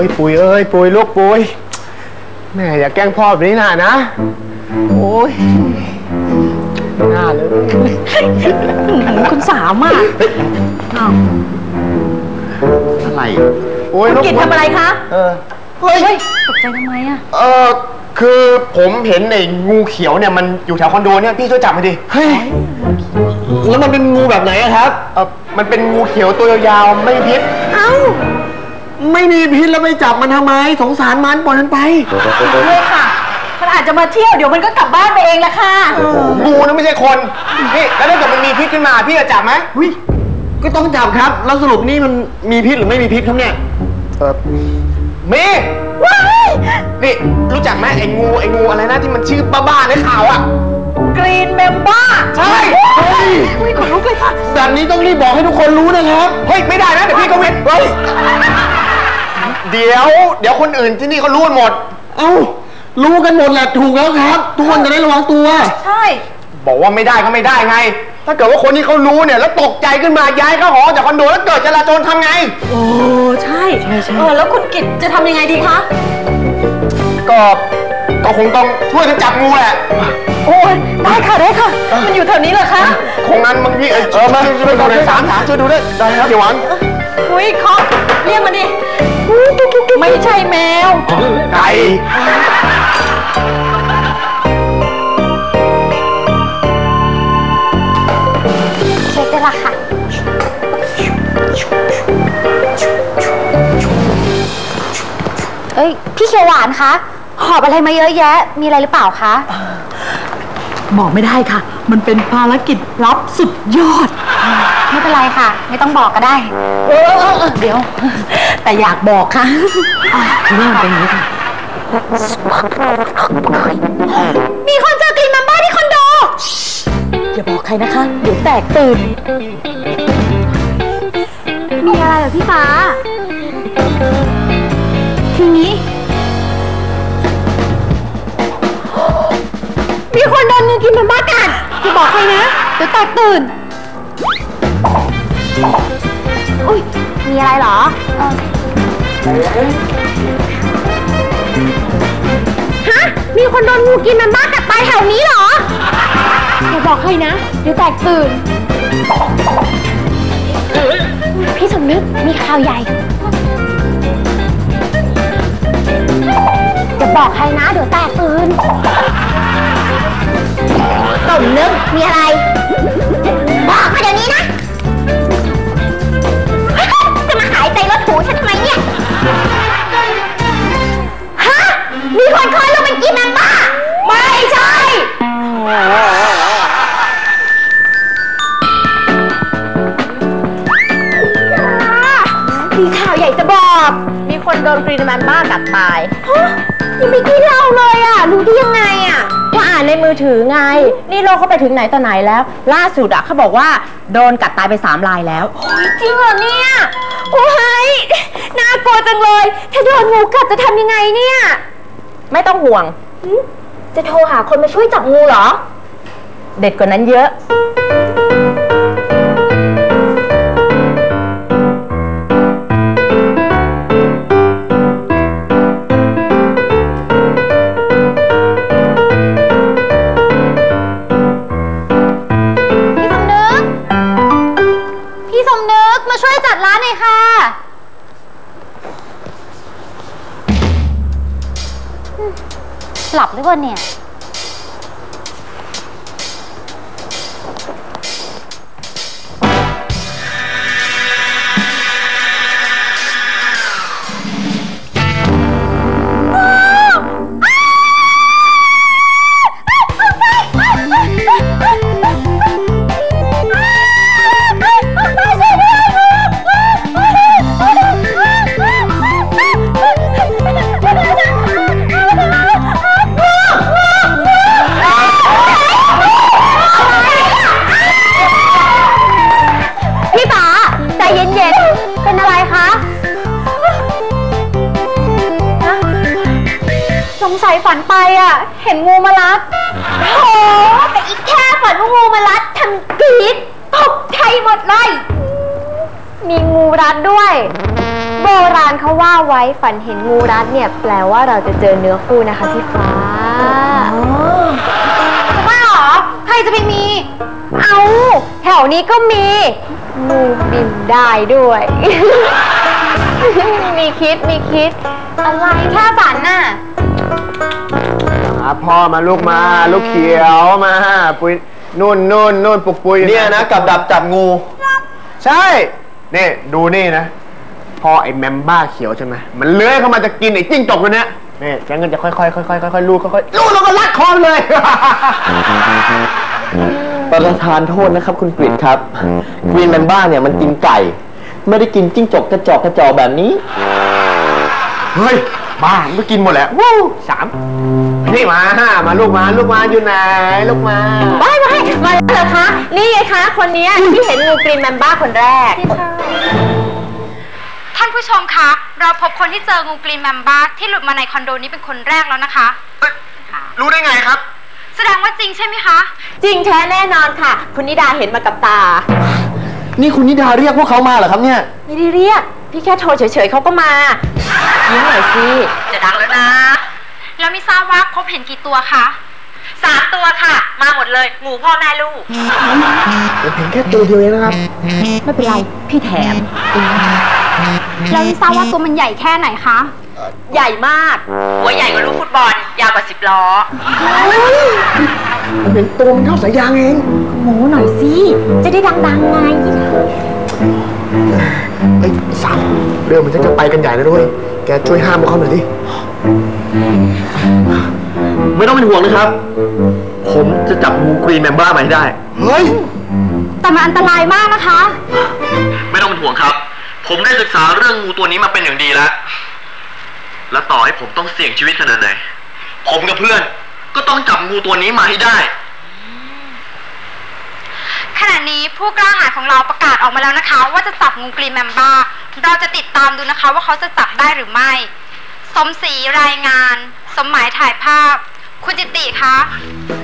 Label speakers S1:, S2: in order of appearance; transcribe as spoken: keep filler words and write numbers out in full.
S1: อ้ยปุยเอ้ยปุยลูกปุยแม่อย่าแกล้งพ่อแบบนี้นะนะโอ้ยหน้าเลย
S2: คุณสามอ่ะ
S1: อะไรโอ้ย
S2: กิจทำอะไรคะ
S1: เออเฮ้ย
S2: ตกใจทำไมอ่ะ
S1: เออคือผมเห็นไอ้งูเขียวเนี่ยมันอยู่แถวคอนโดเนี่ยพี่ช่วยจับให้ดิเฮ้ยแล้วมันเป็นงูแบบไหนครับเออมันเป็นงูเขียวตัวยาวๆไม่มีพิษเอ้าไม่มีพิษแล้วไปจับมันทำไมสงสารมันปล่อยมันไป
S2: เลยค่ะมันอาจจะมาเที่ยวเดี๋ยวมันก็กลับบ้านไปเองแหละค่ะ
S1: งูนะไม่ใช่คนนี่แล้วถ้าเกิดมันมีพิษขึ้นมาพี่จะจับไหมวิก็ต้องจับครับแล้วสรุปนี่มันมีพิษหรือไม่มีพิษครับเนี่ยเออมีว้ายนี่รู้จักไหมไอ้งูไอ้งูอะไรนะที่มันชื่อบ้าๆในข่าวอ่ะ
S2: กรีนเมมบ้า
S1: ใช่เฮ้ย
S2: อุ้ยขนลุกเลยค่ะ
S1: แบบนี้ต้องรีบบอกให้ทุกคนรู้นะครับเฮ้ยไม่ได้นะเดี๋ยวพี่ก็วิทย์เฮ้ยเดี๋ยวเดี๋ยวคนอื่นที่นี่เขารู้กันหมดเอ้ารู้กันหมดแหละถูกแล้วครับทุกคนจะได้ระวังตัว
S2: ใช่
S1: บอกว่าไม่ได้ก็ไม่ได้ไงถ้าเกิดว่าคนที่เขารู้เนี่ยแล้วตกใจขึ้นมาย้ายเข้าหอจากคอนโดแล้วเกิดจราจรทำไง
S2: โอ้ใช่ใช่ใช่เออแล้วคุณกิจจะทำยังไงดีคะ
S1: ก็ก็คงต้องช่วยกันจับงูแหละ
S2: โอ้ยได้ค่ะได้ค่ะมันอยู่แถวนี้เหรอคะ
S1: คงนั้นบางทีเออมาช่วยดูเลยสามถามช่วยดูได้ได้ครับเดี๋ยวหวัง
S2: อุ้ยเคาะเรียกมันดิไม่ใช่แมว
S1: ไก่
S3: เช็คได้ละค่ะเอ้ยพี่เขียวหวานคะหอบอะไรมาเยอะแยะมีอะไรหรือเปล่าคะ
S2: บอกไม่ได้ค่ะมันเป็นภารกิจลับสุดยอด
S3: ไม่เป็นไรค่ะไม่ต้องบอกก็ได้
S2: เออเดี๋ยวแต่อยากบอกค่ะเรื่องเป็นอย่างนี้ค่ะ
S3: มีคนเจอกรีนมัมบ้าที่คอนโด
S2: อย่าบอกใครนะคะเดี๋ยวแตกตื่น
S3: มีอะไรเหรอพี่ฟ้าทีนี้มีคนโดนงูกินมัมบ้ากัดอย่าบอกใครนะเดี๋ยวแตกตื่นอุ้ยมีอะไรเหรอฮะมีคนโดนงูกินมัมบ้ากัดตายแถวนี้เหรออย่าบอกใครนะเดี๋ยวแตกตื่นพี่สมนึกมีข่าวใหญ่อย่าบอกใครนะเดี๋ยวแตกตื่นสมนึกมีอะไรบอกมาเดี๋ยวนี้นะจะมาหายใจรถถูฉันทำไมเนี่ยฮะมีคนคอยลงเป็นกินมัมบ้าไม่ใช่มีข่าวใหญ่จะบอกมีคนโดนกรีนมัมบ้ากัดตายฮะยังไม่กินเราเลยอ่ะรู้ได้ยังไงอ่ะว่าอ่านในมือถือไงนี่โลกเขาไปถึงไหนต่อไหนแล้วล่าสุดอ่ะเขาบอกว่าโดนกัดตายไปสามรายแล้วโอ้ยจริงเหรอเนี่ยโอ้ยน่ากลัวจังเลยถ้าโดนงูกัดจะทำยังไงเนี่ยไม่ต้องห่วงจะโทรหาคนมาช่วยจับงูเหรอเด็ดกว่านั้นเยอะมาช่วยจัดร้านหน่อยค่ะหลับหรือเปล่าเนี่ยฝันไปอ่ะเห็นงูมารัดโอ้แต่อีกแค่ฝันว่างูมารัดทำกรี๊ดตกใจหมดเลยมีงูรัดด้วย โบราณเขาว่าไว้ฝันเห็นงูรัดเนี่ยแปลว่าเราจะเจอเนื้อคู่นะคะพี่ฟ้าจะบ้าเหรอใครจะไปมีเอาแถวนี้ก็มีงูบินได้ด้วย มีคิดมีคิดอะไรแค่ฝันน่ะ
S1: มาพ่อมาลูกมาลูกเขียวมาปุยนู่นนู่นนู่นปุกปุยเนี่ยนะกับดับจับงูใช่นี่ดูนี่นะพอไอ้แมมบ้าเขียวใช่ไหมมันเลื้อยเข้ามาจะกินไอ้จิ้งจกตัวเนี้ยนี่แกเงินจะค่อยๆค่อยๆค่อยๆลูดค่อยๆลูดแล้วก็ลัดคอเลย
S4: ประธานโทษนะครับคุณกฤษครับกรีนแมนบ้าเนี่ยมันกินไก่ไม่ได้กินจิ้งจกกระจอกกระจอกแบบนี้
S1: เฮ้ยบ้ามันก็กินหมดแหละวู้สามนี่มามาลูกมาลูกมาอยู่ไหนลูกมา
S3: ไม่ไม่มาแล้วเหรอคะนี่ไงคะคนนี้ที่เห็นงูกรีนแมมบ้าคนแรก
S5: ท่านผู้ชมคะเราพบคนที่เจองูกรีนแมมบ้าที่หลุดมาในคอนโดนี้เป็นคนแรกแล้วนะคะ
S1: รู้ได้ไงครับ
S5: แสดงว่าจริงใช่ไหมคะ
S3: จริงแท้แน่นอนค่ะคุณนิดาเห็นมากับตา
S4: นี่คุณนิดาเรียกพวกเขามาเหรอครับเนี่ย
S3: ไม่ได้เรียกพี่แค่โทรเฉยๆเขาก็มายิ้มหน่อยสิจะดังแล้วนะ
S5: แล้วไม่ทราบว่าพบเห็นกี่ตัวคะ
S3: สามตัวค่ะมาหมดเลยงูพ่อแม่ลูก
S1: เห็นแค่ตัวเดียวเองนะครับ
S3: ไม่เป็นไรพี่แถม
S5: แล้วไม่ทราบว่าตัวมันใหญ่แค่ไหนคะ
S3: ใหญ่มากหัวใหญ่กว่าลูกฟุตบอลยาวกว่าสิบล้อ
S1: เห็นตัวมันเท่าสายยางเอง
S3: โม้หน่อยสิจะได้ดังๆไง
S1: ไอ้สามเรื่องมันจะไปกันใหญ่แล้วด้วยแกช่วยห้ามพวกเขาหน่อยดิ
S4: ไม่ต้องเป็นห่วงนะครับผมจะจับงูกรีนแมมบ้ามาให้ได้
S1: เฮ้ย
S5: แต่มันอันตรายมากนะคะ
S4: ไม่ต้องเป็นห่วงครับผมได้ศึกษาเรื่องงูตัวนี้มาเป็นอย่างดีแล้วและต่อให้ผมต้องเสี่ยงชีวิตขนาดไหนผมกับเพื่อนก็ต้องจับงูตัวนี้มาให้ได้
S5: ขณะนี้ผู้กล้าหาญของเราประกาศออกมาแล้วนะคะว่าจะจับงูกรีนแมมบ้าเราจะติดตามดูนะคะว่าเขาจะจับได้หรือไม่สมศรีรายงานสมหมายถ่ายภาพคุณจิติคะ